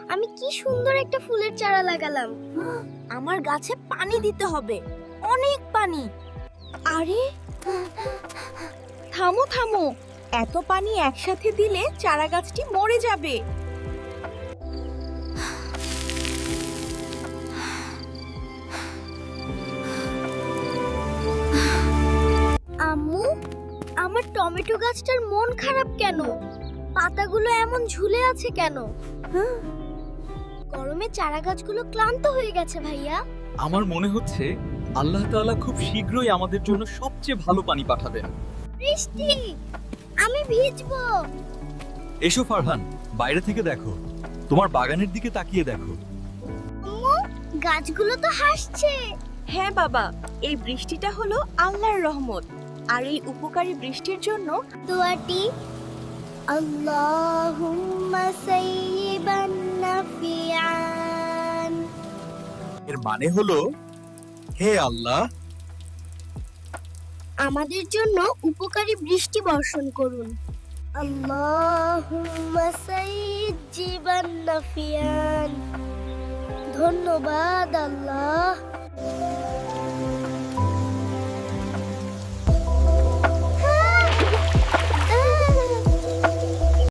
আমি কি সুন্দর একটা ফুলের চারা লাগালাম। আমার গাছে পানি দিতে হবে, অনেক পানি। আরে থামো থামো, এত পানি একসাথে দিলে চারা গাছটি মরে যাবে। আম্মু, আমার টমেটো গাছটার মন খারাপ কেন? পাতাগুলো এমন ঝুলে আছে কেন? গরমে চারা গাছগুলো ক্লান্ত হয়ে গেছে ভাইয়া। আমার মনে হচ্ছে আল্লাহ তাআলা খুব শীঘ্রই আমাদের জন্য সবচেয়ে ভালো পানি পাঠাবেন। বৃষ্টি, আমি ভিজবো। এসো ফারহান, বাইরে থেকে দেখো, তোমার বাগানের দিকে তাকিয়ে দেখো। আম্মু, গাছগুলো তো হাসছে। হ্যাঁ বাবা, এই বৃষ্টিটা হলো আল্লাহর রহমত। আর এই উপকারী বৃষ্টির জন্য দোয়াটি আল্লাহুম্মা সাইয়িবান নাফিআন। এর মানে হলো, হে আল্লাহ, আমাদের জন্য উপকারী বৃষ্টি বর্ষণ করুন। আল্লাহুম্মা সাইয়িবান নাফিআন। ধন্যবাদ আল্লাহ।